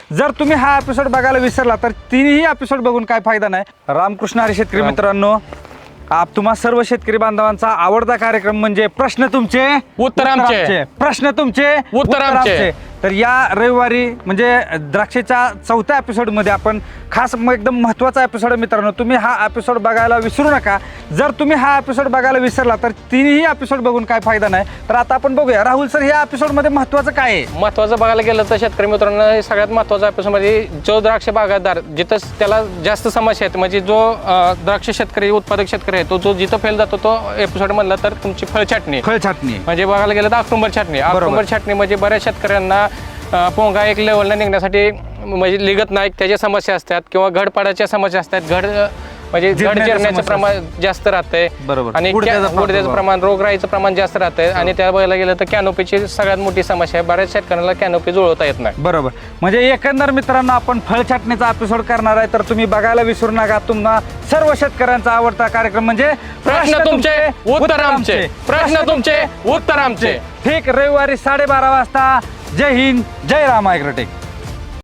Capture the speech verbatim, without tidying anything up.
जर तुम्ही हा एपिसोड बघायला विसरला तर तिन्ही एपिसोड बघून काय फायदा नाही. रामकृष्ण हरी शेतकरी मित्रांनो, आप तुम्हा सर्व शेतकरी बांधवांचा आवडता कार्यक्रम म्हणजे प्रश्न तुमचे उत्तर आमचे. प्रश्न तुमचे उत्तर आमचे. तर या रविवारी म्हणजे द्राक्षेच्या चौथ्या एपिसोडमध्ये आपण खास म- एकदम महत्त्वाचा एपिसोड मित्रांनो, तुम्ही हा एपिसोड बघायला विसरू नका. जर तुम्ही हा एपिसोड बघायला विसरला तर तिन्ही एपिसोड बघून काय फायदा नाही. तर आता आपण बघूया राहुल सर, या एपिसोडमध्ये महत्त्वाचं काय आहे? महत्वाचं बघायला गेलं तर शेतकरी मित्रांनो, हे सगळ्यात महत्वाचा एपिसोड मध्ये जो द्राक्ष बागायतदार जिथं त्याला जास्त समस्या आहेत, म्हणजे जो अं, द्राक्ष शेतकरी उत्पादक शेतकरी आहे तो जो जिथं फेल जातो तो एपिसोड म्हणला तर तुमची फळ छाटणी. फळ छाटणी म्हणजे बघायला गेलं तर ऑक्टोबर छाटणी. ऑक्टोबर छाटणी म्हणजे बऱ्याच शेतकऱ्यांना अं, पोंगा एक लेवलला निघण्यासाठी म्हणजे लिगत नाही, त्याच्या समस्या असतात किंवा घड पाडायच्या समस्या असतात. घड अं, म्हणजे घड जिरण्याच्या जिरण्याचं समस्या प्रमाण जास्त राहतंय बरोबर. आणि गुडघ्याचा क्या- गुडघ्याचं प्रादुर्भाव. प्रमाण, रोगराईचं प्रमाण जास्त राहतंय आणि त्या बघायला गेलं तर कॅनोपीची सगळ्यात मोठी समस्या आहे. बऱ्याच शेतकऱ्यांना कॅनोपी जुळवता येत नाही. बरोबर. म्हणजे एकंदर मित्रांनो आपण फळ छाटणीचा एपिसोड करणार आहे, तर तुम्ही बघायला विसरू नका. तुम्हा सर्व शेतकऱ्यांचा आवडता कार्यक्रम म्हणजे प्रश्न तुमचे उत्तर आमचे. प्रश्न तुमचे उत्तर आमचे. ठीक रविवारी साडेबारा वाजता. जय हिंद, जय राम ॲग्रोटेक.